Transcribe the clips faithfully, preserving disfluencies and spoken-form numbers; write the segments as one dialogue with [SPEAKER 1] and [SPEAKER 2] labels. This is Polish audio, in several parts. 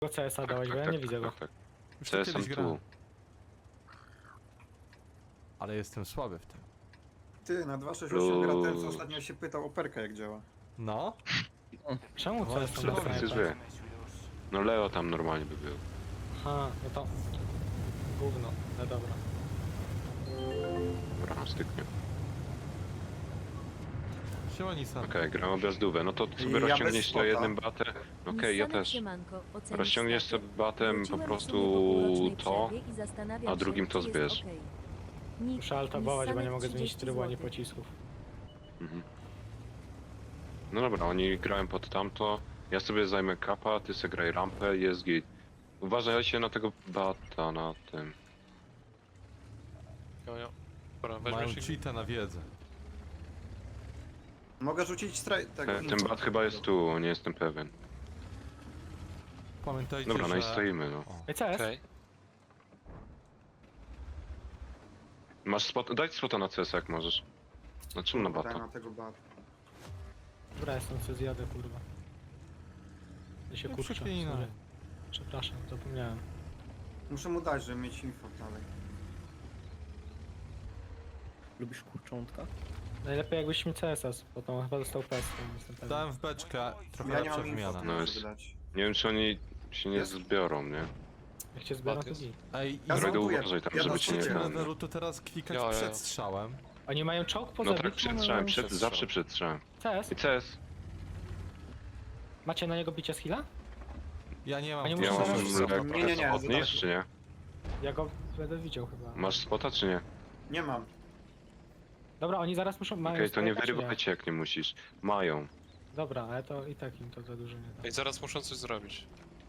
[SPEAKER 1] C S a dałeś, bo ja
[SPEAKER 2] tak,
[SPEAKER 1] nie widzę go.
[SPEAKER 2] tak, tak.
[SPEAKER 3] Już
[SPEAKER 2] C
[SPEAKER 3] to
[SPEAKER 2] S
[SPEAKER 3] kiedyś
[SPEAKER 2] tu.
[SPEAKER 3] grałem. Ale jestem słaby w tym.
[SPEAKER 4] Ty, na dwa sześć osiem gra ten, co
[SPEAKER 2] Plus.
[SPEAKER 4] ostatnio się pytał o perka jak działa.
[SPEAKER 3] No?
[SPEAKER 1] Czemu
[SPEAKER 3] No,
[SPEAKER 1] C S
[SPEAKER 3] przy-
[SPEAKER 1] tam bez
[SPEAKER 2] Wszyscy
[SPEAKER 1] snajpa?
[SPEAKER 2] zły. No Leo tam normalnie by był.
[SPEAKER 1] Aha, no to... Gówno, no dobra.
[SPEAKER 2] Dobra, styknie.
[SPEAKER 3] Siema Nissan.
[SPEAKER 2] Okej, gram objazdówę. No to sobie
[SPEAKER 4] Ja bez
[SPEAKER 2] rozciągniesz to
[SPEAKER 4] spota.
[SPEAKER 2] jednym batem. Okej, ja też. Rozciągniesz sobie batem po prostu to, a drugim to zbierz.
[SPEAKER 1] Muszę altabować, bo nie mogę zmienić trybu ani pocisków.
[SPEAKER 2] Mhm. No dobra, oni grają pod tamto. Ja sobie zajmę kapa, ty sobie graj rampę i jest git. Uważajcie na tego bata na tym.
[SPEAKER 5] Jo, jo. Dobra,
[SPEAKER 3] Mają
[SPEAKER 5] weźmiesz ich.
[SPEAKER 3] cheata na wiedzę.
[SPEAKER 4] Mogę rzucić straj... tego.
[SPEAKER 2] E, Ten bat chyba jest tu, nie jestem pewien.
[SPEAKER 3] Pamiętajcie,
[SPEAKER 2] Dobra, no
[SPEAKER 3] że...
[SPEAKER 2] i stoimy, no.
[SPEAKER 3] O.
[SPEAKER 1] Ej, C S?
[SPEAKER 5] Okej.
[SPEAKER 2] Masz spot, daj spota na C S jak możesz. Na czym na
[SPEAKER 4] Daj
[SPEAKER 2] bata?
[SPEAKER 4] na tego bata.
[SPEAKER 1] Dobra, jestem, co zjadę, kurwa. Ja się
[SPEAKER 3] Nie
[SPEAKER 1] kurczę.
[SPEAKER 3] przeklinaj.
[SPEAKER 1] sorry. Przepraszam, zapomniałem.
[SPEAKER 4] Muszę mu dać, żeby mieć info dalej.
[SPEAKER 6] Lubisz kurczątka?
[SPEAKER 1] Najlepiej jakbyś mi C S a, bo tam chyba dostał pestkę, jestem pewien.
[SPEAKER 3] Dałem w beczkę, trochę
[SPEAKER 4] Ja nie
[SPEAKER 3] lepsza
[SPEAKER 4] mam info,
[SPEAKER 3] wymiana.
[SPEAKER 2] No
[SPEAKER 4] no
[SPEAKER 2] jest-
[SPEAKER 4] żeby dać.
[SPEAKER 2] Nie wiem czy oni się nie
[SPEAKER 4] Jest?
[SPEAKER 2] zbiorą, nie?
[SPEAKER 1] Jak cię zbiorą, to
[SPEAKER 5] Jest.
[SPEAKER 1] git.
[SPEAKER 3] Ej,
[SPEAKER 4] Ja
[SPEAKER 3] i
[SPEAKER 2] Droidu,
[SPEAKER 4] zmontuję.
[SPEAKER 2] uważaj tam,
[SPEAKER 4] Ja
[SPEAKER 2] żeby cię nie
[SPEAKER 4] zmontuję.
[SPEAKER 3] na
[SPEAKER 2] ten...
[SPEAKER 3] levelu to teraz klikać
[SPEAKER 5] Jo, jo, jo.
[SPEAKER 3] przed strzałem.
[SPEAKER 1] Oni mają czołg poza
[SPEAKER 2] No tak,
[SPEAKER 1] bitwą,
[SPEAKER 2] przed
[SPEAKER 1] ale
[SPEAKER 2] strzałem,
[SPEAKER 1] mają-
[SPEAKER 2] przed,
[SPEAKER 5] Przed
[SPEAKER 2] zawsze
[SPEAKER 5] strzałem.
[SPEAKER 2] przed strzałem.
[SPEAKER 1] C S?
[SPEAKER 2] I C S?
[SPEAKER 1] Macie na niego bicie z heal'a?
[SPEAKER 3] Ja nie mam...
[SPEAKER 1] A nie
[SPEAKER 2] Ja
[SPEAKER 1] muszę
[SPEAKER 2] mam
[SPEAKER 1] zaraz-
[SPEAKER 2] lekko
[SPEAKER 4] Nie, nie, nie,
[SPEAKER 2] podnieść, czy nie?
[SPEAKER 1] Ja go będę widział chyba.
[SPEAKER 2] Masz spota, czy nie?
[SPEAKER 4] Nie mam.
[SPEAKER 1] Dobra, oni zaraz muszą... mają
[SPEAKER 2] Okej, to nie
[SPEAKER 1] strajka, czy
[SPEAKER 2] wyrywajcie jak nie musisz. Mają.
[SPEAKER 1] Dobra, ale to i tak im to za dużo nie da.
[SPEAKER 5] Ej, zaraz muszą coś zrobić.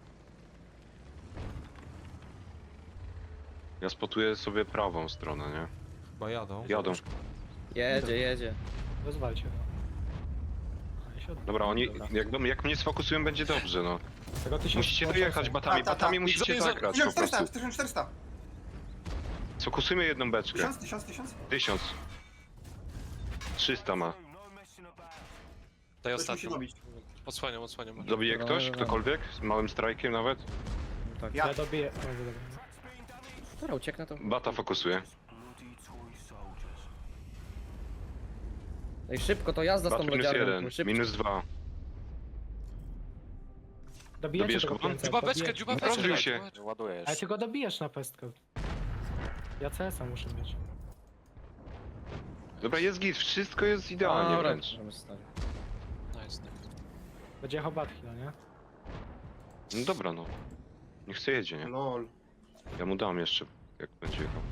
[SPEAKER 2] Ja spotuję sobie prawą stronę, nie?
[SPEAKER 3] Chyba jadą.
[SPEAKER 2] Jadą.
[SPEAKER 6] Jedzie, jedzie.
[SPEAKER 1] Rozwalcie go. A, ja się od-
[SPEAKER 2] Dobra, oni,
[SPEAKER 1] Dobra.
[SPEAKER 2] jak, do- jak mnie sfokusują, będzie dobrze, no.
[SPEAKER 1] Tego tysiąc
[SPEAKER 2] Musicie
[SPEAKER 1] sto
[SPEAKER 2] dojechać
[SPEAKER 1] osiem.
[SPEAKER 2] batami,
[SPEAKER 4] Ta, ta, ta.
[SPEAKER 2] batami musicie
[SPEAKER 5] Za- za-
[SPEAKER 2] zagrać po
[SPEAKER 4] tysiąc czterysta,
[SPEAKER 2] prostu.
[SPEAKER 4] tysiąc czterysta.
[SPEAKER 2] Sfokusujmy jedną beczkę.
[SPEAKER 4] Tysiąc, tysiąc, tysiąc.
[SPEAKER 2] Tysiąc. trzysta ma.
[SPEAKER 5] Daj
[SPEAKER 4] Coś musi
[SPEAKER 5] ostatnią.
[SPEAKER 4] robić.
[SPEAKER 5] Odsłaniam, odsłaniam.
[SPEAKER 2] Dobije
[SPEAKER 6] Dobra,
[SPEAKER 2] ktoś?
[SPEAKER 6] dobra.
[SPEAKER 2] Ktokolwiek? Z małym strajkiem nawet?
[SPEAKER 6] Tak.
[SPEAKER 4] Ja.
[SPEAKER 1] Ja dobiję... O, dobra.
[SPEAKER 6] Dobra, ucieknę to.
[SPEAKER 2] Bata fokusuje.
[SPEAKER 6] Ej, szybko, to jazda z
[SPEAKER 2] Bat
[SPEAKER 6] tą
[SPEAKER 2] minus
[SPEAKER 6] lodziarką.
[SPEAKER 2] jeden,
[SPEAKER 6] Szybko.
[SPEAKER 2] minus dwa.
[SPEAKER 1] Dobijecie
[SPEAKER 2] Dobijesz
[SPEAKER 1] tego
[SPEAKER 2] go?
[SPEAKER 1] pięca,
[SPEAKER 5] Dziuba beczkę,
[SPEAKER 1] dobijecie.
[SPEAKER 5] dziuba
[SPEAKER 2] Rozbił
[SPEAKER 5] beczkę.
[SPEAKER 2] się.
[SPEAKER 5] Ładujesz.
[SPEAKER 1] Ale ty go dobijesz na pestkę. Ja C S a muszę mieć.
[SPEAKER 2] Dobra, jest git, wszystko jest idealnie
[SPEAKER 6] Dobra,
[SPEAKER 2] wręcz.
[SPEAKER 6] możemy stać.
[SPEAKER 5] Nice, nice.
[SPEAKER 1] Będzie jechał Batchila, nie?
[SPEAKER 2] No dobra, no. Niech chce jedzie, nie?
[SPEAKER 4] Lol.
[SPEAKER 2] Ja mu dam jeszcze, jak będzie jechał.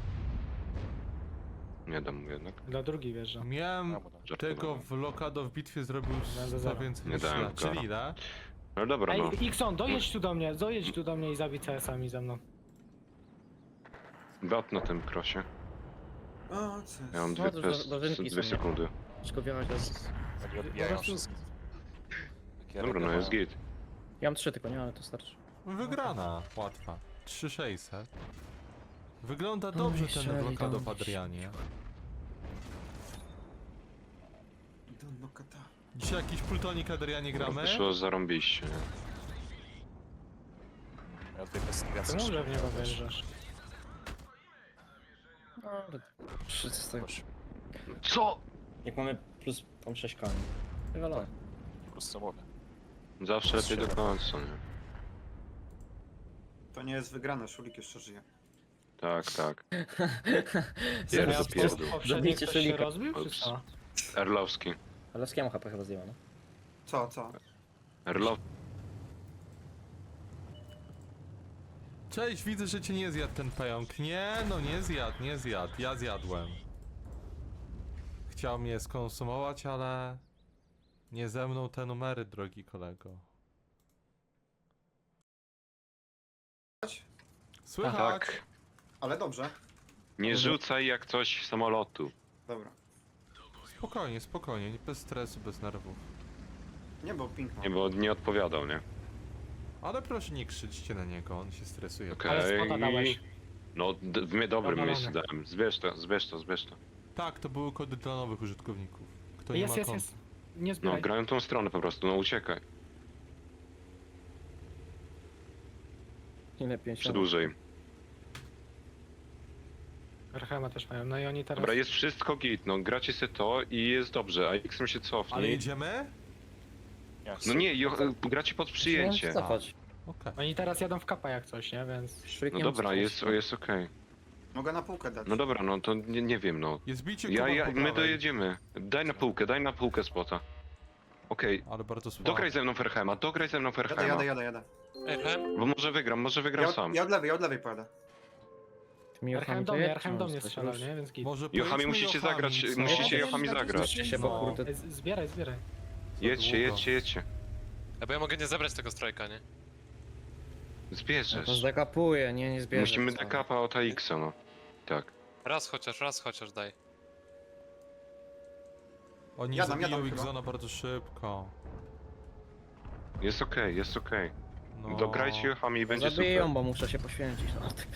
[SPEAKER 2] Nie dam mu jednak.
[SPEAKER 1] Dla drugi wjeżdża.
[SPEAKER 3] Miałem
[SPEAKER 2] Żartowałem.
[SPEAKER 3] tego w Lokado w bitwie zrobił
[SPEAKER 1] Za
[SPEAKER 3] sto
[SPEAKER 1] zero.
[SPEAKER 3] więcej
[SPEAKER 2] Nie
[SPEAKER 3] niż
[SPEAKER 2] dałem
[SPEAKER 3] ja.
[SPEAKER 2] go.
[SPEAKER 3] Czyli ile?
[SPEAKER 2] No dobra, no.
[SPEAKER 1] Ej, Ikson, dojedź tu do mnie, dojedź tu do mnie i zabij C S ami ze mną.
[SPEAKER 2] Bat na tym krosie.
[SPEAKER 4] O, co jest?
[SPEAKER 2] Ja mam
[SPEAKER 6] No,
[SPEAKER 2] dwie,
[SPEAKER 6] to
[SPEAKER 2] pes,
[SPEAKER 6] do- dożynki
[SPEAKER 2] dwie
[SPEAKER 6] są, nie?
[SPEAKER 2] sekundy.
[SPEAKER 6] Szybko wjechać teraz.
[SPEAKER 5] Odbijają wszystko.
[SPEAKER 2] Dobra, no jest git.
[SPEAKER 6] Ja mam trzy tylko, nie, ale to starczy.
[SPEAKER 3] Wygrana, łatwa. trzy sześćset. Wygląda dobrze ten
[SPEAKER 6] strzeli
[SPEAKER 3] Lokado
[SPEAKER 6] tam
[SPEAKER 3] w Adrianie.
[SPEAKER 4] Don no kata.
[SPEAKER 3] Dzisiaj jakiś Pultonik Adrianie gramy?
[SPEAKER 2] Wyszło zarąbiście, nie?
[SPEAKER 1] Czemu że w niego wjeżdżasz?
[SPEAKER 6] No, ale trzy z tego.
[SPEAKER 2] Co?
[SPEAKER 6] Jak mamy plus tą sześć koni. Wywalone.
[SPEAKER 2] Zawsze lepiej do końca, nie?
[SPEAKER 4] To nie jest wygrane, Szulik jeszcze żyje.
[SPEAKER 2] Tak, tak.
[SPEAKER 6] Zero
[SPEAKER 2] Jest
[SPEAKER 6] z
[SPEAKER 2] to pierdół.
[SPEAKER 1] Poprzedni
[SPEAKER 6] Zabijcie
[SPEAKER 1] ktoś się
[SPEAKER 6] Szylika.
[SPEAKER 1] rozbił, czy
[SPEAKER 2] Ups.
[SPEAKER 1] co?
[SPEAKER 2] Erlowski.
[SPEAKER 6] Ale z kiemu H P chyba zdjęła, no?
[SPEAKER 4] Co, co?
[SPEAKER 2] Erlow...
[SPEAKER 3] Cześć, widzę, że cię nie zjadł ten pająk. Nie, no nie zjadł, nie zjadł. Ja zjadłem. Chciał mnie skonsumować, ale... Nie ze mną te numery, drogi kolego. Słychać?
[SPEAKER 2] Tak.
[SPEAKER 4] Ale dobrze.
[SPEAKER 2] Nie rzucaj jak coś samolotu.
[SPEAKER 4] Dobra.
[SPEAKER 3] Spokojnie, spokojnie, bez stresu, bez nerwów.
[SPEAKER 4] Nie, bo ping mam.
[SPEAKER 2] Nie, bo nie odpowiadał, nie?
[SPEAKER 3] Ale proszę nie krzyczcie na niego, on się stresuje.
[SPEAKER 2] Okej.
[SPEAKER 1] Ale spota dałeś.
[SPEAKER 2] No, d- w mnie dobrym
[SPEAKER 1] Dobra,
[SPEAKER 2] miejscu
[SPEAKER 1] dobra.
[SPEAKER 2] dałem. Zbierz to, zbierz to, zbierz to.
[SPEAKER 3] Tak, to były kody dla nowych użytkowników. Kto nie
[SPEAKER 1] Jest,
[SPEAKER 3] ma
[SPEAKER 1] jest,
[SPEAKER 3] konta.
[SPEAKER 1] jest. Nie
[SPEAKER 2] No,
[SPEAKER 1] zbieraj.
[SPEAKER 2] grają tą stronę po prostu, no uciekaj.
[SPEAKER 6] Ile pięćdziesiąt?
[SPEAKER 2] Przedłużej.
[SPEAKER 1] Archema też mają, no i oni teraz...
[SPEAKER 2] Dobra, jest wszystko git, no gracie se to i jest dobrze, a X-em się
[SPEAKER 3] Ale
[SPEAKER 2] cofnie.
[SPEAKER 3] jedziemy?
[SPEAKER 2] No nie, jo, gracie pod przyjęcie.
[SPEAKER 6] Cofać.
[SPEAKER 3] Okej.
[SPEAKER 1] Oni teraz jadą w kapa jak coś, nie? Więc...
[SPEAKER 6] Szwyk
[SPEAKER 2] No
[SPEAKER 6] nie
[SPEAKER 2] dobra,
[SPEAKER 6] musi
[SPEAKER 2] jest,
[SPEAKER 6] cofać.
[SPEAKER 2] jest okej.
[SPEAKER 4] Mogę na półkę dać.
[SPEAKER 2] No dobra, no to nie, nie wiem, no.
[SPEAKER 3] Jest bicie
[SPEAKER 2] Ja,
[SPEAKER 3] Kuba
[SPEAKER 2] ja,
[SPEAKER 3] po
[SPEAKER 2] my
[SPEAKER 3] prawej.
[SPEAKER 2] dojedziemy. Daj na półkę, daj na półkę spota. Okej,
[SPEAKER 3] Ale bardzo słabo.
[SPEAKER 2] dograj ze mną Ferhema, dograj ze mną
[SPEAKER 4] Jadę,
[SPEAKER 2] Ferhema.
[SPEAKER 4] jadę, jadę, jadę.
[SPEAKER 5] Ej, Hem?
[SPEAKER 2] Bo może wygram, może wygram
[SPEAKER 4] Ja,
[SPEAKER 2] sam.
[SPEAKER 4] od- ja od lewej, ja od lewej pojadę.
[SPEAKER 6] Ty mi
[SPEAKER 1] Archem
[SPEAKER 6] Jochami
[SPEAKER 1] do mnie,
[SPEAKER 6] dojedź,
[SPEAKER 1] Archem
[SPEAKER 6] czy
[SPEAKER 1] do
[SPEAKER 6] mam
[SPEAKER 1] mnie
[SPEAKER 6] coś
[SPEAKER 1] strzelał,
[SPEAKER 6] już?
[SPEAKER 1] nie? Więc git.
[SPEAKER 3] Może
[SPEAKER 2] Jochami
[SPEAKER 3] pojedźmy
[SPEAKER 2] musicie
[SPEAKER 3] Jochami,
[SPEAKER 2] zagrać,
[SPEAKER 3] co?
[SPEAKER 2] musicie
[SPEAKER 1] Nie,
[SPEAKER 2] Jochami
[SPEAKER 1] nie, nie,
[SPEAKER 2] zagrać.
[SPEAKER 6] Zbliżcie się, bo
[SPEAKER 3] No.
[SPEAKER 6] kurde...
[SPEAKER 1] Ej, z- Zbieraj, zbieraj.
[SPEAKER 2] Jedźcie,
[SPEAKER 3] długo.
[SPEAKER 2] jedźcie, jedźcie.
[SPEAKER 5] Ej, bo ja mogę nie zebrać tego strajka, nie?
[SPEAKER 6] No to
[SPEAKER 2] Zbierzesz.
[SPEAKER 6] zdekapuje, nie, nie zbierze.
[SPEAKER 2] Musimy
[SPEAKER 6] co?
[SPEAKER 2] dekapa od A X-a, no. Tak.
[SPEAKER 5] Raz chociaż, raz chociaż daj.
[SPEAKER 3] Oni
[SPEAKER 4] Jadam,
[SPEAKER 3] zabiją
[SPEAKER 4] jadam chyba.
[SPEAKER 3] Xona bardzo szybko.
[SPEAKER 2] Jest okej, jest okej.
[SPEAKER 3] No.
[SPEAKER 2] Dograjcie Jochami i
[SPEAKER 6] No
[SPEAKER 2] będzie
[SPEAKER 6] zabiją,
[SPEAKER 2] super.
[SPEAKER 6] bo muszę się poświęcić. No, tak.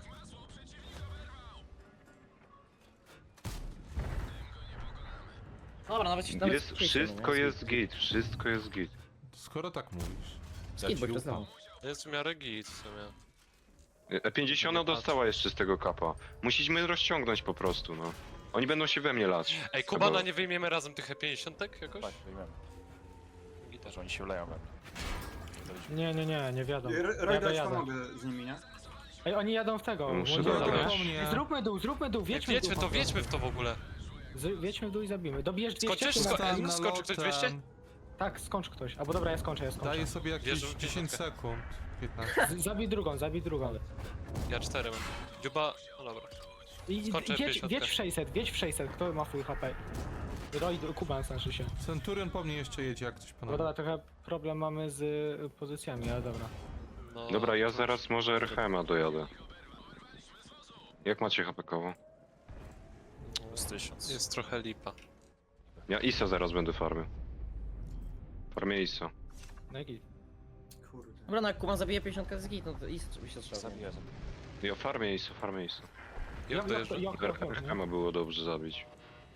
[SPEAKER 6] Dobra, nawet nawet
[SPEAKER 2] Jest,
[SPEAKER 6] wcześniej,
[SPEAKER 2] wszystko
[SPEAKER 6] nie?
[SPEAKER 2] jest git, wszystko jest git.
[SPEAKER 3] Skoro tak mówisz.
[SPEAKER 6] Skid, bo to
[SPEAKER 3] ufam.
[SPEAKER 6] znam.
[SPEAKER 5] Jest w miarę git w sumie.
[SPEAKER 2] E pięćdziesiąt dostała jeszcze z tego kapa. Musimy rozciągnąć po prostu, no. Oni będą się we mnie lać.
[SPEAKER 5] Ej, Kubana, nie wyjmiemy razem tych E pięćdziesiąt jakoś?
[SPEAKER 7] Tak, wyjmiemy.
[SPEAKER 5] Gita.
[SPEAKER 7] Że oni się wleją we mnie.
[SPEAKER 1] Nie, nie, nie, nie wiadomo.
[SPEAKER 4] R-
[SPEAKER 1] Jadę,
[SPEAKER 4] Rojda, ci
[SPEAKER 1] jadę.
[SPEAKER 4] pomogę z nimi, nie?
[SPEAKER 1] Ej, oni jadą w tego.
[SPEAKER 2] Muszę
[SPEAKER 1] Młodzież,
[SPEAKER 2] dodać.
[SPEAKER 1] dobra?
[SPEAKER 3] Po mnie.
[SPEAKER 1] Zróbmy dół, zróbmy dół,
[SPEAKER 5] Ej,
[SPEAKER 1] wiedźmy
[SPEAKER 5] wiedźmy
[SPEAKER 1] dół
[SPEAKER 5] to,
[SPEAKER 1] po
[SPEAKER 5] wiedźmy w to w ogóle.
[SPEAKER 1] prostu. Z, wiedźmy w dół i zabijmy. Dobierz dwieście.
[SPEAKER 5] Skończysz?
[SPEAKER 1] czy
[SPEAKER 5] Sko-
[SPEAKER 1] na-
[SPEAKER 5] Ej, skończy ktoś dwieście?
[SPEAKER 1] Tak, skończ ktoś. Albo dobra, ja skończę, ja skończę.
[SPEAKER 3] Daję sobie jakieś
[SPEAKER 5] Wierzę w
[SPEAKER 3] dziesięć
[SPEAKER 5] piątkę.
[SPEAKER 3] sekund. piętnaście.
[SPEAKER 1] Z- Zabij drugą, zabij drugą.
[SPEAKER 5] Ja cztery mam. Dziuba, no dobra.
[SPEAKER 1] I
[SPEAKER 5] Skończę
[SPEAKER 1] wiedź,
[SPEAKER 5] pięćdziesiątkę.
[SPEAKER 1] wiedź w sześćset, wiedź w sześćset. Kto ma full H P? Roy, Kuban znaczy się.
[SPEAKER 3] Centurion po mnie jeszcze jedzie, jak ktoś
[SPEAKER 1] No
[SPEAKER 3] ponad.
[SPEAKER 1] dobra, trochę problem mamy z y, pozycjami, ale dobra.
[SPEAKER 5] No,
[SPEAKER 2] Dobra, ja zaraz może Erchema dojadę. Jak macie H P-kowo?
[SPEAKER 7] Z tysiąc.
[SPEAKER 5] Jest trochę lipa.
[SPEAKER 2] Ja Isa zaraz będę farmił. Farmię Isa.
[SPEAKER 1] No i git.
[SPEAKER 4] Kurde.
[SPEAKER 6] Dobra, no jak Kuban zabije pięćdziesiąt z git, no to i by się trzeba.
[SPEAKER 7] Zabiję.
[SPEAKER 2] Ja farmię Isa, farmię Isa.
[SPEAKER 5] Ja dojeżdżam.
[SPEAKER 1] Jok, jok, jok, nie?
[SPEAKER 2] Erchema było dobrze zabić.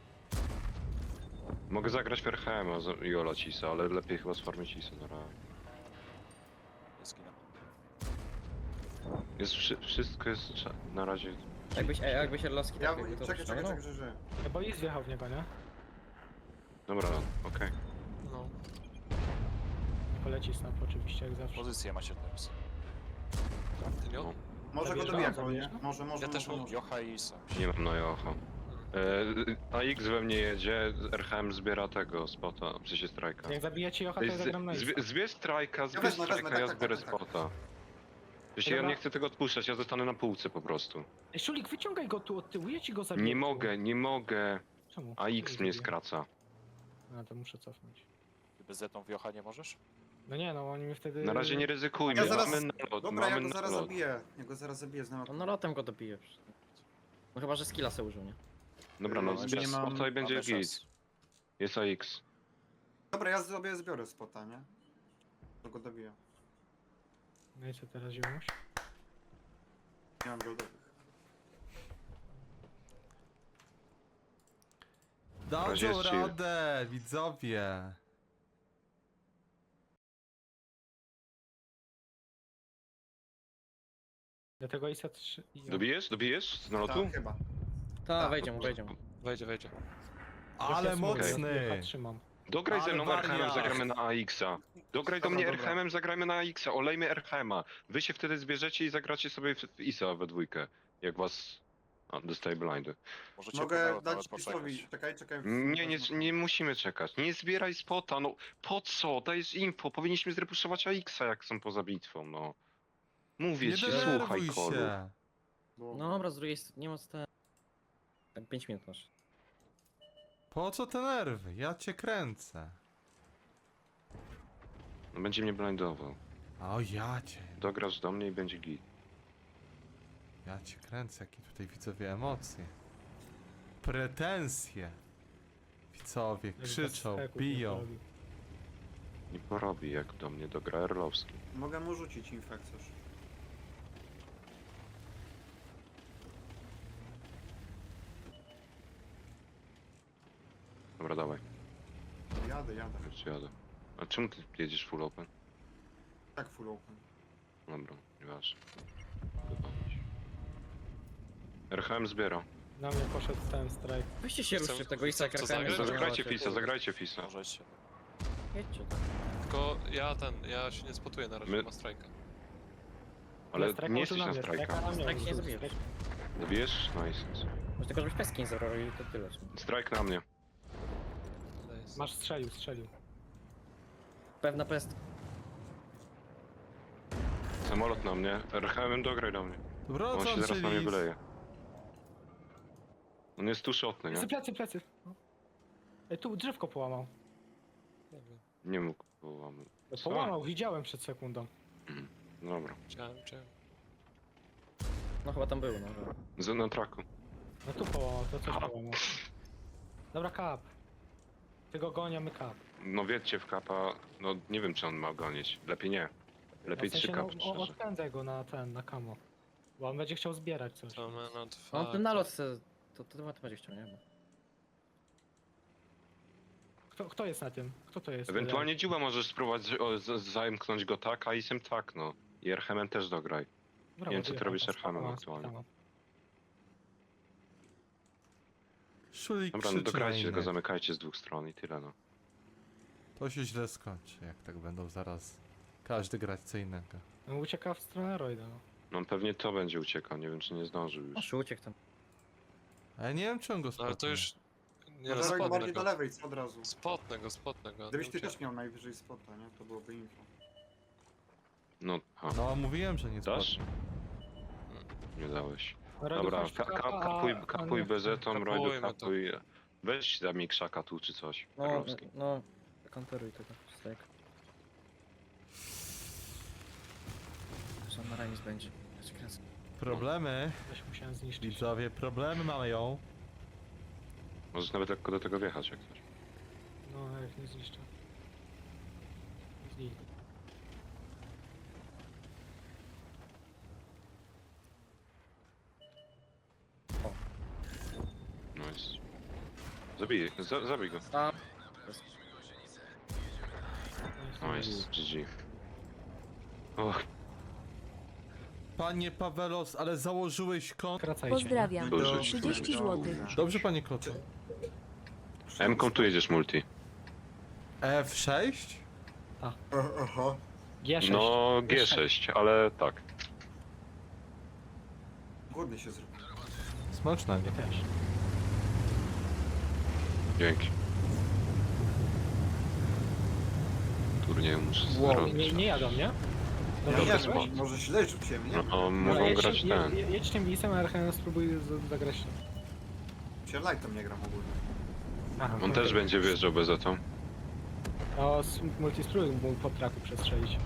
[SPEAKER 2] Mogę zagrać w Erchema z- i olać Isa, ale lepiej chyba sfarmić Isa na razie.
[SPEAKER 7] Zginę.
[SPEAKER 2] Jest wszy wszystko jest cza- na razie.
[SPEAKER 6] Jakbyś, ej, jakbyś Erlowski
[SPEAKER 4] Ja,
[SPEAKER 6] tak jakby to
[SPEAKER 4] czekaj, czekaj,
[SPEAKER 6] ściągnął?
[SPEAKER 4] czekaj, że żyję.
[SPEAKER 1] Bo Is wjechał w niego, nie?
[SPEAKER 2] Dobra, okej.
[SPEAKER 5] No.
[SPEAKER 1] Poleci snap oczywiście, jak zawsze.
[SPEAKER 7] Pozycję macie teraz.
[SPEAKER 5] Ty nie?
[SPEAKER 2] No.
[SPEAKER 4] Może go
[SPEAKER 1] Zabierz
[SPEAKER 4] dobija,
[SPEAKER 1] go,
[SPEAKER 4] nie?
[SPEAKER 1] zabierz go?
[SPEAKER 4] Może, może,
[SPEAKER 5] Ja też
[SPEAKER 4] może,
[SPEAKER 5] mam
[SPEAKER 4] może.
[SPEAKER 7] Jocha i Isa.
[SPEAKER 2] Nie mam na Jocho. E, A X we mnie jedzie, R H M zbiera tego spota, w sensie strajka.
[SPEAKER 1] Jak zabijecie Jocha, to
[SPEAKER 2] Ej,
[SPEAKER 1] ja zagram na
[SPEAKER 2] z-
[SPEAKER 1] Isa.
[SPEAKER 2] zbie- Zbierz strajka, zbierz
[SPEAKER 4] wezmę, wezmę,
[SPEAKER 2] strajka,
[SPEAKER 4] tak,
[SPEAKER 2] ja
[SPEAKER 4] tak,
[SPEAKER 2] zbiorę
[SPEAKER 4] tak, tak.
[SPEAKER 2] spota. Wiecie, ja
[SPEAKER 1] Dobra.
[SPEAKER 2] nie chcę tego odpuszczać, ja zostanę na półce po prostu.
[SPEAKER 1] Ej, Szulik, wyciągaj go tu od tyłu, ja ci go zabiję.
[SPEAKER 2] Nie mogę, nie mogę.
[SPEAKER 1] Czemu?
[SPEAKER 2] A X
[SPEAKER 1] Czemu
[SPEAKER 2] mnie
[SPEAKER 1] zabiję?
[SPEAKER 2] skraca.
[SPEAKER 1] A, to muszę cofnąć.
[SPEAKER 7] Ty bez zetą w Jocha nie możesz?
[SPEAKER 1] No nie, no oni mi wtedy...
[SPEAKER 2] Na razie nie ryzykujmy,
[SPEAKER 4] Ja zaraz-
[SPEAKER 2] mamy nalot,
[SPEAKER 4] Dobra, ja
[SPEAKER 2] mamy
[SPEAKER 4] go zaraz
[SPEAKER 2] nalot.
[SPEAKER 4] zabiję. Ja go zaraz zabiję z nalotu.
[SPEAKER 6] On nalotem go dobije. No chyba, że skilla se użył, nie?
[SPEAKER 2] Dobra, no
[SPEAKER 4] Yy,
[SPEAKER 2] zbierz
[SPEAKER 4] nie mam-
[SPEAKER 2] spota i będzie
[SPEAKER 7] Mamy
[SPEAKER 2] git.
[SPEAKER 7] czas.
[SPEAKER 2] Jest A X.
[SPEAKER 4] Dobra, ja sobie zbiorę spota, nie? To go dobiję.
[SPEAKER 1] No i co teraz, Ziomuś?
[SPEAKER 4] Nie mam goldowych.
[SPEAKER 2] razie
[SPEAKER 3] Dadzą
[SPEAKER 2] jest chill.
[SPEAKER 3] radę, widzowie.
[SPEAKER 1] Do tego Isa trzy...
[SPEAKER 2] Dobijesz? Dobijesz z nalotu?
[SPEAKER 4] Tak, chyba.
[SPEAKER 6] Ta,
[SPEAKER 4] Tak,
[SPEAKER 6] wejdzie mu, wejdzie mu.
[SPEAKER 5] Wejdzie, wejdzie.
[SPEAKER 3] Ale
[SPEAKER 1] Ja
[SPEAKER 3] mocny.
[SPEAKER 1] trzymam.
[SPEAKER 2] Dograj ze
[SPEAKER 3] Ale
[SPEAKER 2] mną R H M,
[SPEAKER 3] wariat.
[SPEAKER 2] zagramy na A X-a. Dograj do
[SPEAKER 4] Dobra,
[SPEAKER 2] mnie
[SPEAKER 4] dobra.
[SPEAKER 2] R H M, zagrajmy na A X-a, olejmy R H M-a. Wy się wtedy zbierzecie i zagracie sobie w w Isa we dwójkę. Jak was... A, dostaję blindy.
[SPEAKER 7] Możecie
[SPEAKER 4] Mogę
[SPEAKER 7] nawet
[SPEAKER 4] dać
[SPEAKER 7] poczekać.
[SPEAKER 4] Pisowi. Czekaj, czekaj.
[SPEAKER 2] Nie, nie, nie musimy czekać. Nie zbieraj spota, no po co? Dajesz info, powinniśmy zrepuszować A X-a jak są poza bitwą, no. Mówię
[SPEAKER 3] Nie
[SPEAKER 2] ci,
[SPEAKER 3] denerwuj
[SPEAKER 2] słuchaj kolu.
[SPEAKER 3] się.
[SPEAKER 4] Bo...
[SPEAKER 6] No dobra, z drugiej strony, nie ma co te... Tak pięć minut masz.
[SPEAKER 3] Po co te nerwy? Ja cię kręcę.
[SPEAKER 2] No będzie mnie blindował.
[SPEAKER 3] O ja cię.
[SPEAKER 2] Dograsz do mnie i będzie git.
[SPEAKER 3] Ja cię kręcę, jakie tutaj widzowie emocje. Pretensje. Widzowie
[SPEAKER 1] Jak
[SPEAKER 3] krzyczą,
[SPEAKER 1] bez steków
[SPEAKER 3] biją.
[SPEAKER 1] nie robi.
[SPEAKER 2] Nie porobi jak do mnie dogra Erlowski.
[SPEAKER 4] Mogę mu rzucić infekcję.
[SPEAKER 2] Dobra, dawaj,
[SPEAKER 4] Jadę, jadę.
[SPEAKER 2] już jadę. A czemu ty jedziesz full open?
[SPEAKER 4] Tak full open.
[SPEAKER 2] Dobra, nieważne. Wypalić. R H M zbiera.
[SPEAKER 1] Na mnie poszedł ten strajk.
[SPEAKER 6] Weźcie się
[SPEAKER 5] Chcę-
[SPEAKER 6] ruszcie w tego Isa
[SPEAKER 5] chcę
[SPEAKER 6] jak
[SPEAKER 5] zagrać?
[SPEAKER 6] R K M.
[SPEAKER 2] Zagrajcie Fisa, zagrajcie Fisa.
[SPEAKER 7] Możecie.
[SPEAKER 6] Jedźcie.
[SPEAKER 5] Tylko ja ten, ja się nie spotuję na razie,
[SPEAKER 2] My-
[SPEAKER 5] ma strajka.
[SPEAKER 2] Ale
[SPEAKER 1] Strajk
[SPEAKER 2] nie
[SPEAKER 1] użył
[SPEAKER 2] jesteś na
[SPEAKER 1] mnie,
[SPEAKER 2] strajka.
[SPEAKER 1] strajka na mnie
[SPEAKER 6] Strajk nie
[SPEAKER 1] użył.
[SPEAKER 6] zabijesz.
[SPEAKER 2] Dobijesz? Nice.
[SPEAKER 6] Może tylko żebyś peski nie zabrał i to tyle.
[SPEAKER 2] Strajk na mnie.
[SPEAKER 5] Nice.
[SPEAKER 1] Masz strzelił, strzelił.
[SPEAKER 6] Pewna pest.
[SPEAKER 2] Samolot na mnie. R H M dograj do mnie. On się
[SPEAKER 3] Wracam
[SPEAKER 2] zaraz
[SPEAKER 3] się,
[SPEAKER 2] na mnie
[SPEAKER 3] Lis.
[SPEAKER 2] wyleje. On jest tu shotny, nie?
[SPEAKER 1] Plecy, plecy, plecy. No. Ej, tu drzewko połamał.
[SPEAKER 5] Nie wiem.
[SPEAKER 2] Nie mógł połamać.
[SPEAKER 1] No,
[SPEAKER 2] Co?
[SPEAKER 1] połamał, widziałem przed sekundą.
[SPEAKER 2] Dobra.
[SPEAKER 5] Chciałem, chciałem.
[SPEAKER 6] No chyba tam był, no. że-
[SPEAKER 2] Z na traku.
[SPEAKER 1] No tu połamał, to coś połamał. Dobra, kap. Ty go gonię, my kap.
[SPEAKER 2] No wiedźcie w kapa. No nie wiem czy on ma gonić. Lepiej nie. Lepiej
[SPEAKER 1] W sensie,
[SPEAKER 2] trzy kapy
[SPEAKER 1] no, o-
[SPEAKER 2] szczerze.
[SPEAKER 1] odpędzaj go na ten, na kamo. Bo on będzie chciał zbierać coś.
[SPEAKER 5] To my no
[SPEAKER 6] On
[SPEAKER 5] dwa.
[SPEAKER 6] ten nalot se... To, to, to, to będzie chciał, nie?
[SPEAKER 1] Kto, kto jest na tym? Kto to jest?
[SPEAKER 2] Ewentualnie dziła możesz spróbować o, z, zamknąć go tak, a isem tak no. I R H M też dograj.
[SPEAKER 1] Brawo,
[SPEAKER 2] nie wiem, co ty
[SPEAKER 1] wyjechał
[SPEAKER 2] robisz
[SPEAKER 1] tam,
[SPEAKER 2] Erhamem
[SPEAKER 1] spoko,
[SPEAKER 2] aktualnie.
[SPEAKER 1] spoko.
[SPEAKER 3] Szulik
[SPEAKER 2] Dobra, no
[SPEAKER 3] krzyczy na
[SPEAKER 2] dograjcie go,
[SPEAKER 3] innych.
[SPEAKER 2] zamykajcie z dwóch stron i tyle no.
[SPEAKER 3] To się źle skończy, jak tak będą zaraz każdy grać co innego.
[SPEAKER 1] No, ucieka w stronę Royda. No.
[SPEAKER 2] No on pewnie to będzie uciekał, nie wiem czy nie zdążył
[SPEAKER 6] No
[SPEAKER 2] już.
[SPEAKER 6] uciekł tam.
[SPEAKER 3] A ja nie wiem czy on go
[SPEAKER 5] No ale to
[SPEAKER 3] spotnie.
[SPEAKER 5] już... Nie
[SPEAKER 4] No
[SPEAKER 5] no,
[SPEAKER 4] to
[SPEAKER 5] spotnę
[SPEAKER 4] bardziej do
[SPEAKER 5] go.
[SPEAKER 4] lewej, co od razu.
[SPEAKER 5] Spotnę go, spotnę go.
[SPEAKER 4] Gdybyś
[SPEAKER 5] nie
[SPEAKER 4] ty
[SPEAKER 5] uciekł.
[SPEAKER 4] też miał najwyżej spota, nie? To byłoby info.
[SPEAKER 2] No, a,
[SPEAKER 3] No mówiłem, że nie
[SPEAKER 2] dasz?
[SPEAKER 3] spotnie.
[SPEAKER 2] Nie dałeś.
[SPEAKER 1] Roydu,
[SPEAKER 2] Dobra,
[SPEAKER 1] chodź
[SPEAKER 2] ka
[SPEAKER 1] tu,
[SPEAKER 2] ka
[SPEAKER 1] kapa,
[SPEAKER 2] kapuj,
[SPEAKER 1] a-
[SPEAKER 2] kapuj
[SPEAKER 1] a nie-
[SPEAKER 2] bezetą, Rojdu
[SPEAKER 5] Kapujmy to.
[SPEAKER 2] kapuj. Weź za mi krzaka tu czy coś.
[SPEAKER 6] No,
[SPEAKER 2] Perlowski.
[SPEAKER 6] no. Konteruj tego. Strajk. Co on na remis będzie? Ja się kręcę.
[SPEAKER 3] Problemy,
[SPEAKER 1] Coś musiałem zniszczyć.
[SPEAKER 3] widzowie, problemy mają.
[SPEAKER 2] Możesz nawet lekko do tego wjechać jak coś.
[SPEAKER 1] No, jak nie zniszczę. Zniszczę.
[SPEAKER 2] Nice. Zabij, za, zabij go.
[SPEAKER 6] A,
[SPEAKER 2] Nice, G G. Och,
[SPEAKER 3] Panie Pawelos, ale założyłeś kąt.
[SPEAKER 1] Skracajcie. nie?
[SPEAKER 8] Pozdrawiam.
[SPEAKER 2] Boże,
[SPEAKER 8] trzydzieści złotych.
[SPEAKER 3] Dobrze, panie Klocu.
[SPEAKER 2] M-ką tu jedziesz multi.
[SPEAKER 3] F sześć?
[SPEAKER 4] Oho.
[SPEAKER 1] G sześć.
[SPEAKER 2] No G sześć, ale tak.
[SPEAKER 4] Głodny się zrobił.
[SPEAKER 3] Smacznego.
[SPEAKER 1] Ja też.
[SPEAKER 2] Dzięki. Turnieju muszę
[SPEAKER 1] Wow,
[SPEAKER 2] zrobić.
[SPEAKER 1] nie, nie jadą, nie?
[SPEAKER 2] Dobry
[SPEAKER 4] Ja
[SPEAKER 2] spot.
[SPEAKER 4] wiem, może źle rzuciłem, nie?
[SPEAKER 2] No,
[SPEAKER 1] Dobra,
[SPEAKER 2] mogą
[SPEAKER 1] jedź,
[SPEAKER 2] grać
[SPEAKER 1] je-
[SPEAKER 2] ten.
[SPEAKER 1] je- Jedź tym lisem, a R H M spróbuj z- zagrać tym.
[SPEAKER 4] Się lightem nie gram ogólnie.
[SPEAKER 1] Aha,
[SPEAKER 2] On też będzie wjeżdżał bezetą.
[SPEAKER 1] No, z multi spróbuj mu po traku przestrzelić.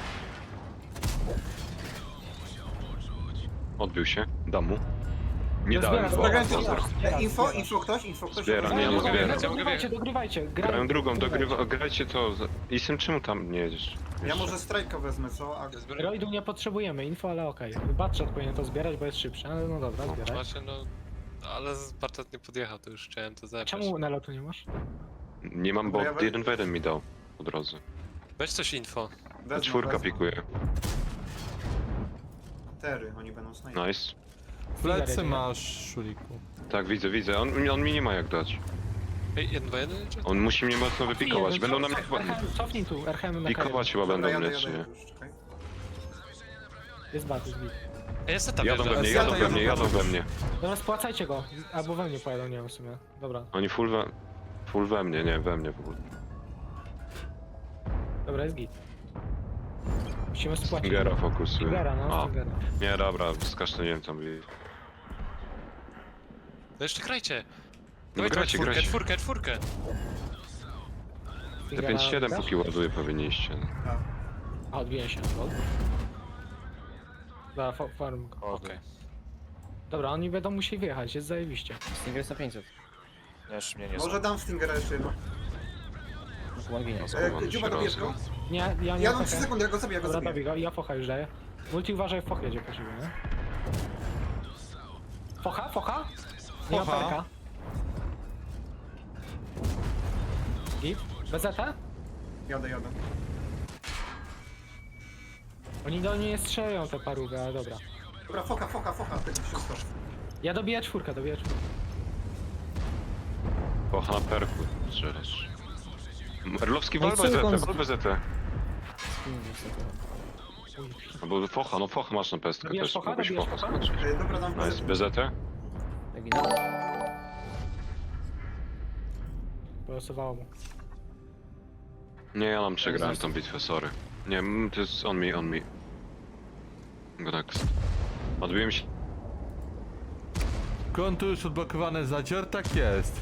[SPEAKER 2] Odbił się. Dam mu. Nie
[SPEAKER 1] No,
[SPEAKER 2] dałem,
[SPEAKER 1] zbiera,
[SPEAKER 2] bo
[SPEAKER 1] zbiera,
[SPEAKER 2] pozdro.
[SPEAKER 1] zbiera, zbiera,
[SPEAKER 4] E, info,
[SPEAKER 1] zbiera.
[SPEAKER 4] info ktoś, info ktoś.
[SPEAKER 2] Zbiera,
[SPEAKER 4] Info?
[SPEAKER 2] nie, nie
[SPEAKER 1] Dogrywajcie,
[SPEAKER 2] zbiera.
[SPEAKER 1] Dogrywajcie, dogrywajcie. Graj,
[SPEAKER 2] Grałem drugą,
[SPEAKER 1] dogrywajcie.
[SPEAKER 2] dogrywa, grajcie to. Isem, czemu tam nie jedziesz?
[SPEAKER 4] Ja
[SPEAKER 2] Jeszcze.
[SPEAKER 4] może strajka wezmę, co? A
[SPEAKER 5] Ja zbieram.
[SPEAKER 1] Roidu nie potrzebujemy, info, ale okej. Batchat powinien to zbierać, bo jest szybszy, ale no dobra, zbieraj.
[SPEAKER 5] Macie no... Ale z- Bartet nie podjechał, to już chciałem to zebrać.
[SPEAKER 1] Czemu nalotu nie masz?
[SPEAKER 2] Nie mam, bo
[SPEAKER 4] Dobra, ja we-
[SPEAKER 2] jeden w jeden mi dał po drodze.
[SPEAKER 5] Weź coś info.
[SPEAKER 4] wezmę,
[SPEAKER 2] Czwórka
[SPEAKER 4] wezmę.
[SPEAKER 2] pikuje.
[SPEAKER 4] Tery, oni będą snajpać.
[SPEAKER 2] Nice.
[SPEAKER 3] Plecy masz, Szuliku.
[SPEAKER 2] Tak, widzę, widzę. On, on mi nie ma jak dać.
[SPEAKER 5] Ej, jeden dwa jeden czy?
[SPEAKER 2] On musi mnie mocno wypikować. Będą na mnie chyba...
[SPEAKER 1] R H M, cofnij tu, R H M na
[SPEAKER 2] Pikować chyba
[SPEAKER 4] Dobra,
[SPEAKER 2] będą
[SPEAKER 4] jadę,
[SPEAKER 2] mnie, czy
[SPEAKER 4] jadę,
[SPEAKER 2] nie?
[SPEAKER 4] już, czekaj.
[SPEAKER 1] Jest bat, jest bit.
[SPEAKER 5] Ej, ja seta
[SPEAKER 2] Jadą we
[SPEAKER 5] wjeżdżam.
[SPEAKER 2] mnie,
[SPEAKER 3] Ja
[SPEAKER 2] jadą
[SPEAKER 3] to
[SPEAKER 2] we
[SPEAKER 3] jadę
[SPEAKER 2] mnie, jadą
[SPEAKER 3] bardzo.
[SPEAKER 2] we mnie.
[SPEAKER 1] Dobra, spłacajcie go. Albo we mnie pojadą, nie wiem w sumie. Dobra,
[SPEAKER 2] Oni full we... Full we mnie, nie, we mnie w ogóle.
[SPEAKER 1] dobra, jest git. Musimy spłacić.
[SPEAKER 2] Stingera fokusuję.
[SPEAKER 1] Stingera, no,
[SPEAKER 2] A,
[SPEAKER 1] Stingera.
[SPEAKER 2] nie, dobra, skasztaniłem tam.
[SPEAKER 5] No jeszcze grajcie.
[SPEAKER 2] No
[SPEAKER 5] Dawaj,
[SPEAKER 2] grajcie,
[SPEAKER 5] czwórkę,
[SPEAKER 2] grajcie.
[SPEAKER 5] czwórkę, czwórkę.
[SPEAKER 2] Te
[SPEAKER 1] Stingera
[SPEAKER 2] pięć siedem
[SPEAKER 1] dasz?
[SPEAKER 2] póki ładuje powinniście.
[SPEAKER 1] A, odbiję się. Lol. Dobra, fa- farm go.
[SPEAKER 5] Okej.
[SPEAKER 1] Dobra, oni będą musieli wyjechać, jest zajebiście.
[SPEAKER 6] Stinger jest na pięćset.
[SPEAKER 7] Nie, jeszcze mnie nie
[SPEAKER 4] Może
[SPEAKER 7] znam.
[SPEAKER 4] dam Stingera jeszcze jedno.
[SPEAKER 6] One ginie.
[SPEAKER 2] No,
[SPEAKER 4] E,
[SPEAKER 2] schowany
[SPEAKER 4] Dziuba,
[SPEAKER 2] się
[SPEAKER 4] dobierz
[SPEAKER 2] rozgał.
[SPEAKER 4] go?
[SPEAKER 1] Nie, ja nie
[SPEAKER 4] Ja
[SPEAKER 1] mam
[SPEAKER 4] mam trzy sekundy, ja go zabiję, ja go
[SPEAKER 1] Dobra,
[SPEAKER 4] zabiję.
[SPEAKER 1] dobij go, ja focha już daję. Multi uważaj, foch jedzie po siebie, nie? Focha, focha? Nie ma
[SPEAKER 3] Focha.
[SPEAKER 1] perka. Git? B Z T?
[SPEAKER 4] Jadę, jadę.
[SPEAKER 1] Oni do mnie strzelają te parówy, ale dobra.
[SPEAKER 4] Dobra, foka, foka, foka, tego wszystko.
[SPEAKER 1] Ja dobiję czwórkę, dobiję czwórkę.
[SPEAKER 2] Pocha na perku strzelasz. Merlowski
[SPEAKER 6] No i
[SPEAKER 2] wal
[SPEAKER 6] co
[SPEAKER 2] bezetę,
[SPEAKER 6] on z-
[SPEAKER 2] wal bezetę.
[SPEAKER 6] Hmm, niestety.
[SPEAKER 2] Albo focha, no focha masz na pestkę
[SPEAKER 1] Dobijesz
[SPEAKER 2] też,
[SPEAKER 1] focha?
[SPEAKER 2] mogłeś
[SPEAKER 1] Dobijesz
[SPEAKER 2] focha
[SPEAKER 1] focha?
[SPEAKER 2] skoczyć.
[SPEAKER 4] Ej, dobra, dam
[SPEAKER 2] No jest bezetę?
[SPEAKER 6] Ja ginę.
[SPEAKER 1] Polosowało mu.
[SPEAKER 2] Nie, ja nam przegrałem tą bitwę, sorry. Nie, mm, to jest on me, on me. Go next. Odbiłem się.
[SPEAKER 3] Konto już odblokowane zadzior? Tak jest.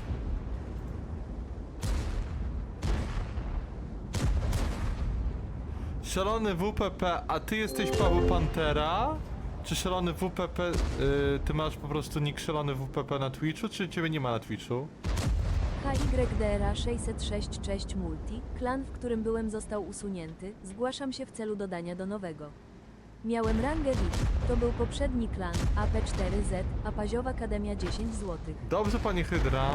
[SPEAKER 3] Szalony W P P, a ty jesteś Paweł Pantera? Czy szalony W P P, y, ty masz po prostu nick szalony W P P na Twitchu, czy ciebie nie ma na Twitchu?
[SPEAKER 8] H Y D R A sześćset sześć cześć Multi, klan, w którym byłem, został usunięty. Zgłaszam się w celu dodania do nowego. Miałem rangę V I P, to był poprzedni klan, A P cztery Z, a Paziowa Akademia dziesięć złotych.
[SPEAKER 3] Dobrze, panie Hydra.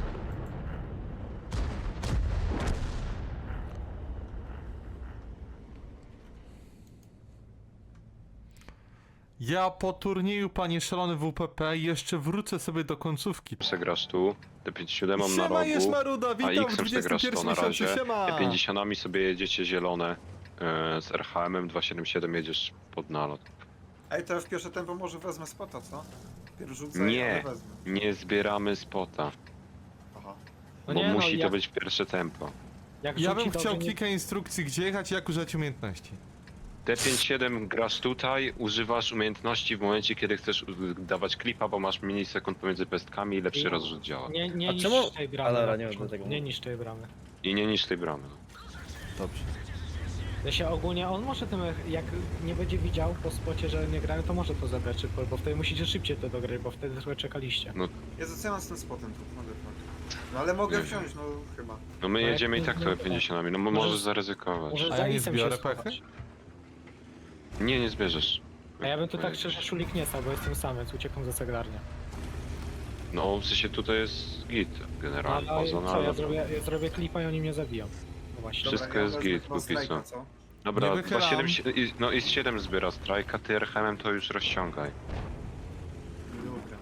[SPEAKER 3] Ja po turnieju, panie szalony W P P, jeszcze wrócę sobie do końcówki.
[SPEAKER 2] Przegrasz tu, te pięćdziesiąt siedem mam na
[SPEAKER 3] Siema, jest
[SPEAKER 2] rogu,
[SPEAKER 3] Maruda,
[SPEAKER 2] a
[SPEAKER 3] witam w
[SPEAKER 2] X-em przegrasz
[SPEAKER 3] dwudziestym
[SPEAKER 2] to
[SPEAKER 3] pierwszym
[SPEAKER 2] na
[SPEAKER 3] miesiącu,
[SPEAKER 2] razie.
[SPEAKER 3] siema!
[SPEAKER 2] Te pięćdziesiątami sobie jedziecie zielone. e, Z R H M-em dwieście siedemdziesiąt siedem jedziesz pod nalot.
[SPEAKER 4] Ej, to ja w pierwsze tempo może wezmę spota, co? Pierw rzucę,
[SPEAKER 2] Nie.
[SPEAKER 4] ale wezmę.
[SPEAKER 2] Nie zbieramy spota,
[SPEAKER 4] Aha.
[SPEAKER 1] No
[SPEAKER 2] bo
[SPEAKER 1] nie, no,
[SPEAKER 2] musi to
[SPEAKER 1] jak-
[SPEAKER 2] być pierwsze tempo.
[SPEAKER 1] Jak
[SPEAKER 3] Ja
[SPEAKER 1] rzuci
[SPEAKER 3] bym chciał
[SPEAKER 1] dobrze, nie-
[SPEAKER 3] kilka instrukcji, gdzie jechać i jak używać umiejętności.
[SPEAKER 2] T pięćdziesiąt siedem grasz tutaj, używasz umiejętności w momencie, kiedy chcesz u- dawać klipa, bo masz milisekund pomiędzy pestkami i lepszy
[SPEAKER 1] No.
[SPEAKER 2] rozrzut działa.
[SPEAKER 1] Nie, nie
[SPEAKER 6] A
[SPEAKER 1] niszcz
[SPEAKER 6] czemu-
[SPEAKER 1] tej bramy.
[SPEAKER 6] Ale dobra,
[SPEAKER 1] na
[SPEAKER 6] nie
[SPEAKER 1] początku.
[SPEAKER 6] będę tego
[SPEAKER 1] Nie
[SPEAKER 6] mówił.
[SPEAKER 1] niszcz tej bramy.
[SPEAKER 2] I nie niż tej bramy. No.
[SPEAKER 3] Dobrze.
[SPEAKER 1] Ja się ogólnie, on może tym, jak nie będzie widział po spocie, że nie grają, to może to zabrać szybko, bo wtedy musicie szybciej to dograć, bo wtedy trochę czekaliście.
[SPEAKER 4] Jezu, co ja mam z tym spotem tu? Mogę tak. No ale mogę
[SPEAKER 2] Nie
[SPEAKER 4] wziąć, no chyba.
[SPEAKER 2] No my
[SPEAKER 1] No jak
[SPEAKER 2] jedziemy i
[SPEAKER 1] nie
[SPEAKER 2] tak
[SPEAKER 1] zbiorę,
[SPEAKER 2] to pięćdziesiątami, no bo
[SPEAKER 1] Możesz-
[SPEAKER 2] możesz zaryzykować.
[SPEAKER 1] Może
[SPEAKER 3] A
[SPEAKER 1] za
[SPEAKER 3] ja nie
[SPEAKER 1] Isem
[SPEAKER 3] zbiorę
[SPEAKER 1] się
[SPEAKER 3] pechy?
[SPEAKER 1] schować.
[SPEAKER 2] Nie, nie zbierzesz.
[SPEAKER 1] A ja bym tu tak szczerze szulik nie stał, bo jestem sam, więc uciekam za saglarnię.
[SPEAKER 2] No w sensie tutaj jest git generalnie,
[SPEAKER 1] Ale
[SPEAKER 2] poza
[SPEAKER 1] co, ja
[SPEAKER 2] nalotem.
[SPEAKER 1] zrobię, ja zrobię klipa i oni mnie zabiją. No właśnie.
[SPEAKER 2] Wszystko
[SPEAKER 4] ja
[SPEAKER 2] jest
[SPEAKER 4] wezmę
[SPEAKER 2] git,
[SPEAKER 4] chyba
[SPEAKER 2] póki co.
[SPEAKER 4] strajka, co?
[SPEAKER 2] Dobra,
[SPEAKER 3] Nie wychylam.
[SPEAKER 2] dwa siedem, i- no i z siedem zbiera strajka, ty R H M-em to już rozciągaj.
[SPEAKER 4] Dobra.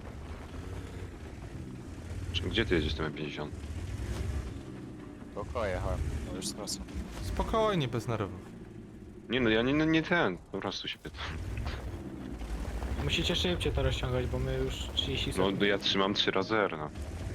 [SPEAKER 2] Czy- Gdzie ty jedziesz tym pięćdziesiąt?
[SPEAKER 7] Spoko, jechałem. No już skracam.
[SPEAKER 3] Spokojnie, bez nerwów.
[SPEAKER 2] Nie no, ja nie, nie ten, po prostu się pytam.
[SPEAKER 1] Musicie szybciej to rozciągać, bo my już trzydzieści
[SPEAKER 2] No
[SPEAKER 1] sekund.
[SPEAKER 2] ja trzymam trzy razy R, no.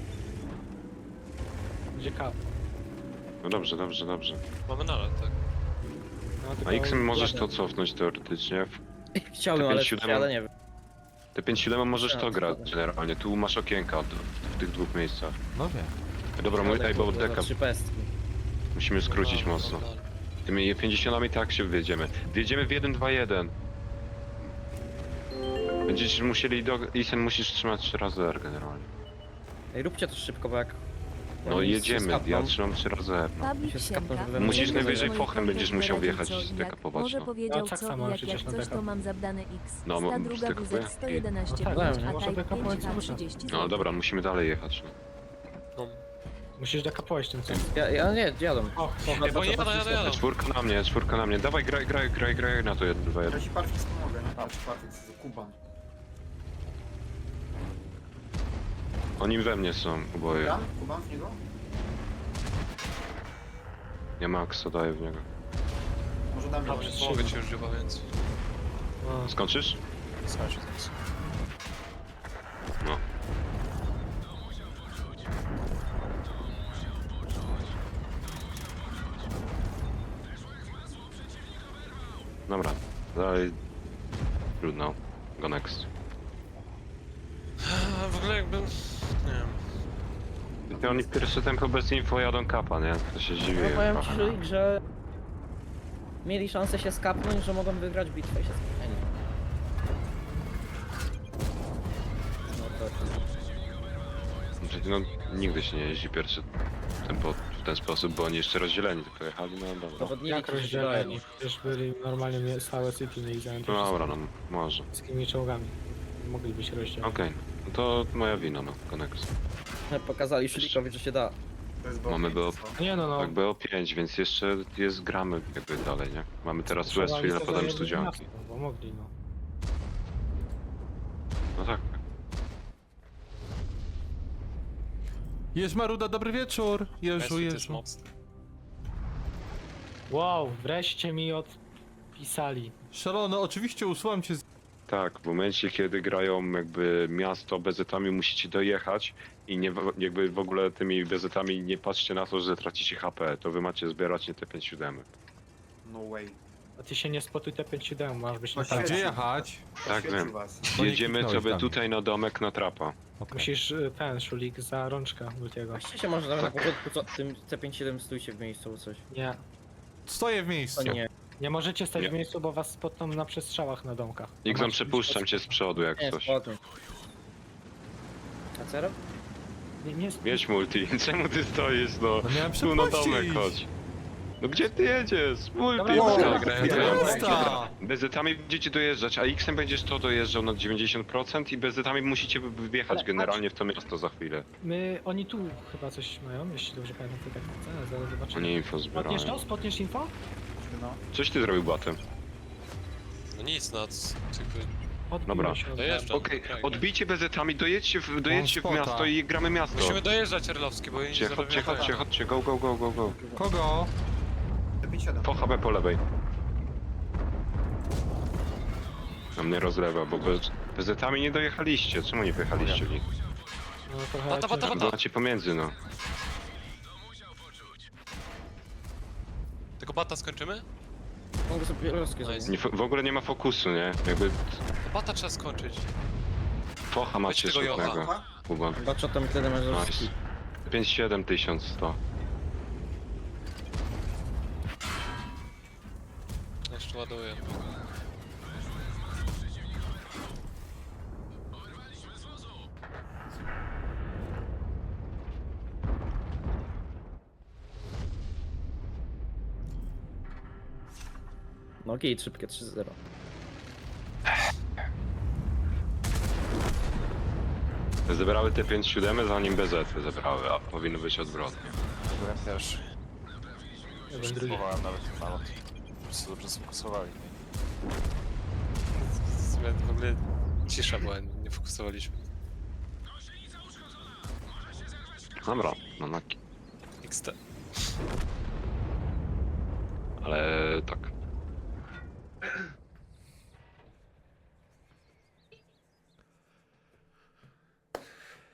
[SPEAKER 1] Gdzie kap?
[SPEAKER 2] No dobrze, dobrze, dobrze.
[SPEAKER 5] Mamy nalot, tak.
[SPEAKER 1] No,
[SPEAKER 2] A
[SPEAKER 1] tylko
[SPEAKER 2] X-em możesz
[SPEAKER 1] jadę.
[SPEAKER 2] to cofnąć teoretycznie.
[SPEAKER 6] Chciałbym, ale
[SPEAKER 2] pięć siedem
[SPEAKER 6] ale nie wiem.
[SPEAKER 2] Te pięć siedem możesz
[SPEAKER 6] Ja,
[SPEAKER 2] to grać
[SPEAKER 6] zgoda.
[SPEAKER 2] generalnie, tu masz okienka w, w tych dwóch miejscach.
[SPEAKER 3] No wiem.
[SPEAKER 2] Dobra, mój
[SPEAKER 6] Ale
[SPEAKER 2] tutaj bo
[SPEAKER 6] to za
[SPEAKER 2] deka,
[SPEAKER 6] trzy pestki.
[SPEAKER 2] musimy skrócić
[SPEAKER 5] Dobra,
[SPEAKER 2] mocno.
[SPEAKER 5] dobra.
[SPEAKER 2] Tymi pięćdziesiątami tak się wjedziemy. Wjedziemy w jeden dwa jeden. Będziecie musieli do... Isen musisz trzymać trzy razy R generalnie.
[SPEAKER 6] Ej, róbcie to szybko, bo jak...
[SPEAKER 2] No
[SPEAKER 6] oni się
[SPEAKER 2] jedziemy,
[SPEAKER 6] skapną,
[SPEAKER 2] ja trzymam trzy razy R. No.
[SPEAKER 8] Pablik
[SPEAKER 6] się
[SPEAKER 8] Siemka.
[SPEAKER 6] skapną, żeby
[SPEAKER 2] Musisz
[SPEAKER 6] Będę
[SPEAKER 2] najwyżej
[SPEAKER 6] moich
[SPEAKER 2] fochem będziesz musiał
[SPEAKER 8] poradził,
[SPEAKER 2] wjechać
[SPEAKER 8] co i
[SPEAKER 2] z
[SPEAKER 8] jak.
[SPEAKER 2] dekapować,
[SPEAKER 8] Może
[SPEAKER 2] no.
[SPEAKER 8] powiedział
[SPEAKER 1] No, tak
[SPEAKER 8] co
[SPEAKER 1] samo
[SPEAKER 8] i jak,
[SPEAKER 1] przecież
[SPEAKER 8] jak
[SPEAKER 1] na
[SPEAKER 8] coś
[SPEAKER 1] dekap.
[SPEAKER 8] to mam zabrane X.
[SPEAKER 2] No,
[SPEAKER 8] Sta
[SPEAKER 2] mam
[SPEAKER 8] druga
[SPEAKER 2] zdekapuje?
[SPEAKER 8] W Z sto jedenaście
[SPEAKER 1] No tak,
[SPEAKER 8] pięć,
[SPEAKER 6] no,
[SPEAKER 8] a
[SPEAKER 1] może
[SPEAKER 8] Type
[SPEAKER 1] dekapować
[SPEAKER 8] pięć H
[SPEAKER 1] cały czas.
[SPEAKER 8] trzydzieści
[SPEAKER 2] No dobra, musimy dalej jechać. No.
[SPEAKER 5] No.
[SPEAKER 1] Musisz dekapować tym co.
[SPEAKER 6] Ja, ja nie, jadą.
[SPEAKER 1] O, o,
[SPEAKER 5] Ej, bo jadą, jadą, jadą.
[SPEAKER 2] Czwórka na mnie, czwórka na mnie. Dawaj, graj, graj, graj, graj na to jeden dwa
[SPEAKER 4] Ja
[SPEAKER 2] jeden.
[SPEAKER 4] ci Parfix pomogę, nie? Patrz, Parfix, Kuban.
[SPEAKER 2] Oni we mnie są oboje.
[SPEAKER 4] Kuban? Kuban w niego?
[SPEAKER 2] Ja Maxa daję w niego.
[SPEAKER 4] Może dam
[SPEAKER 1] Dobrze,
[SPEAKER 4] ją.
[SPEAKER 5] Mogę ci już chyba, więc...
[SPEAKER 1] o.
[SPEAKER 2] Skończysz?
[SPEAKER 7] Skończę teraz.
[SPEAKER 2] No. Dobra, dalej. Trudno. Go next.
[SPEAKER 5] A, w ogóle jakbym... Nie wiem.
[SPEAKER 2] I oni pierwsze tempo bez info jadą kapa, nie? To się dziwię.
[SPEAKER 6] No powiem ci,
[SPEAKER 2] trochę.
[SPEAKER 6] Żulik, że... Mieli szansę się skapnąć, że mogą wygrać bitwę i się skapnęli. No to...
[SPEAKER 2] Przecież no, nigdy się nie jeździ pierwsze tempo w ten sposób, bo oni jeszcze rozdzieleni tylko jechali, no dobra.
[SPEAKER 6] Zawodniki
[SPEAKER 1] Jak
[SPEAKER 6] się
[SPEAKER 1] rozdzieleni? Przecież byli normalnie mie- stałe city, mieli zajęte
[SPEAKER 2] No dobra, no może.
[SPEAKER 1] wszystkimi czołgami. Mogliby się rozdzielić.
[SPEAKER 2] Okej, no to moja wina, no, Konex.
[SPEAKER 6] Pokazali Szulikowi, że się da.
[SPEAKER 4] To jest
[SPEAKER 2] Mamy
[SPEAKER 4] było
[SPEAKER 2] było-
[SPEAKER 4] pięć,
[SPEAKER 1] Nie no, no.
[SPEAKER 2] Tak, B O pięć, więc jeszcze jest gramy jakby dalej, nie? Mamy teraz
[SPEAKER 1] Trzeba
[SPEAKER 2] Westfield, a
[SPEAKER 1] ich
[SPEAKER 2] potem
[SPEAKER 1] zajebać
[SPEAKER 2] studzianki.
[SPEAKER 1] miasto, Bo mogli, no.
[SPEAKER 2] No tak.
[SPEAKER 3] Jeż Maruda, dobry wieczór. Jeżu,
[SPEAKER 5] Westfield jest
[SPEAKER 3] Jeżu.
[SPEAKER 5] mocny.
[SPEAKER 1] Wow, wreszcie mi odpisali.
[SPEAKER 3] Szalony, oczywiście usuwam cię z...
[SPEAKER 2] Tak, w momencie kiedy grają jakby miasto bezetami musicie dojechać i nie, w- jakby w ogóle tymi bezetami nie patrzcie na to, że tracicie H P, to wy macie zbierać nie te pięć siedem.
[SPEAKER 4] No way.
[SPEAKER 1] A ty się nie spotuj te pięć siedem, masz być na
[SPEAKER 4] No
[SPEAKER 3] A
[SPEAKER 1] tak.
[SPEAKER 3] gdzie jechać?
[SPEAKER 2] Tak,
[SPEAKER 4] Oświecił
[SPEAKER 2] wiem.
[SPEAKER 4] was.
[SPEAKER 3] Bo nie
[SPEAKER 2] Jedziemy
[SPEAKER 3] kliknąłeś
[SPEAKER 2] sobie
[SPEAKER 3] tam.
[SPEAKER 2] tutaj na domek na trapa.
[SPEAKER 3] Okay.
[SPEAKER 1] Musisz y, ten szulik za rączkę Multiego.
[SPEAKER 6] Właściwie się może nawet na początku co, tym C pięćdziesiąt siedem stójcie w miejscu albo coś.
[SPEAKER 1] Nie.
[SPEAKER 3] Stoję w
[SPEAKER 6] To
[SPEAKER 3] miejscu.
[SPEAKER 6] nie.
[SPEAKER 1] Nie możecie stać
[SPEAKER 2] Nie.
[SPEAKER 1] w miejscu, bo was spotną na przestrzałach na domkach.
[SPEAKER 2] Xon,
[SPEAKER 1] Masz-
[SPEAKER 2] przepuszczam cię z przodu jak
[SPEAKER 6] Nie,
[SPEAKER 2] coś.
[SPEAKER 6] spokój. A co rob?
[SPEAKER 1] Nie, nie,
[SPEAKER 2] Jedź multi, czemu ty stoisz no?
[SPEAKER 3] No miałem
[SPEAKER 2] Tu na domek
[SPEAKER 3] przepuścić.
[SPEAKER 2] chodź. No gdzie ty jedziesz? Multi!
[SPEAKER 1] Dobra,
[SPEAKER 2] no.
[SPEAKER 1] dobra,
[SPEAKER 5] grają
[SPEAKER 2] Ja-
[SPEAKER 5] to
[SPEAKER 3] Jazda!
[SPEAKER 2] Bezetami będziecie dojeżdżać, a X-em będziesz to dojeżdżał na dziewięćdziesiąt procent i bezetami musicie wjechać
[SPEAKER 1] Ale
[SPEAKER 2] generalnie w to miasto za chwilę.
[SPEAKER 1] My, oni tu chyba coś mają, jeśli dobrze pamiętam, to tak chcę, zaraz zobaczymy.
[SPEAKER 2] Oni info
[SPEAKER 1] Spotniesz to?
[SPEAKER 2] zbierają.
[SPEAKER 1] Spotniesz info?
[SPEAKER 4] No.
[SPEAKER 2] Coś ty zrobił batem.
[SPEAKER 5] No nic, no, c- jakby
[SPEAKER 1] Odbiło
[SPEAKER 2] Dobra.
[SPEAKER 1] się od
[SPEAKER 5] Dojeżdżam.
[SPEAKER 2] Okej,
[SPEAKER 5] Dobra,
[SPEAKER 2] odbijcie bezetami, dojedźcie w, dojedźcie w
[SPEAKER 3] spota.
[SPEAKER 2] miasto i gramy miasto.
[SPEAKER 5] musimy dojeżdżać Erlowski, bo oni
[SPEAKER 2] Chodźcie,
[SPEAKER 5] zaraz
[SPEAKER 2] chodźcie,
[SPEAKER 5] wjechają.
[SPEAKER 2] chodźcie, chodźcie, go, go, go, go, go.
[SPEAKER 3] Kogo?
[SPEAKER 4] pięć siedem.
[SPEAKER 2] Po H B po lewej. Na mnie rozlewa, bo bez, bezetami nie dojechaliście. Czemu nie wyjechaliście w nich?
[SPEAKER 1] No, trochę
[SPEAKER 5] Bata, bata,
[SPEAKER 1] ciężko.
[SPEAKER 5] bata.
[SPEAKER 2] Macie pomiędzy, no.
[SPEAKER 5] Tylko bata skończymy?
[SPEAKER 6] Mogę sobie rozkie
[SPEAKER 5] Nice.
[SPEAKER 6] zrobić.
[SPEAKER 2] Nie, w ogóle nie ma fokusu, nie? Jakby
[SPEAKER 5] To bata trzeba skończyć.
[SPEAKER 2] focha macie
[SPEAKER 5] tego Jocha.
[SPEAKER 2] szutnego.
[SPEAKER 4] Aha.
[SPEAKER 2] Kuba.
[SPEAKER 6] Patrz, to mi wtedy masz
[SPEAKER 2] Nice.
[SPEAKER 6] rozki.
[SPEAKER 2] pięć siedem tysiąc sto.
[SPEAKER 5] Jeszcze ładuję.
[SPEAKER 6] No git, szybkie trzy zero.
[SPEAKER 2] Zebrały te pięć siedem zanim B Z zebrały, a powinno być odwrotnie.
[SPEAKER 7] Byłem pierwszy.
[SPEAKER 1] Ja byłem drugi.
[SPEAKER 7] Próbowałem nawet nalot. Po prostu dobrze sfokusowali.
[SPEAKER 5] W ogóle cisza była, nie fokusowaliśmy.
[SPEAKER 2] Dobra, no na
[SPEAKER 5] X T.
[SPEAKER 2] ale tak.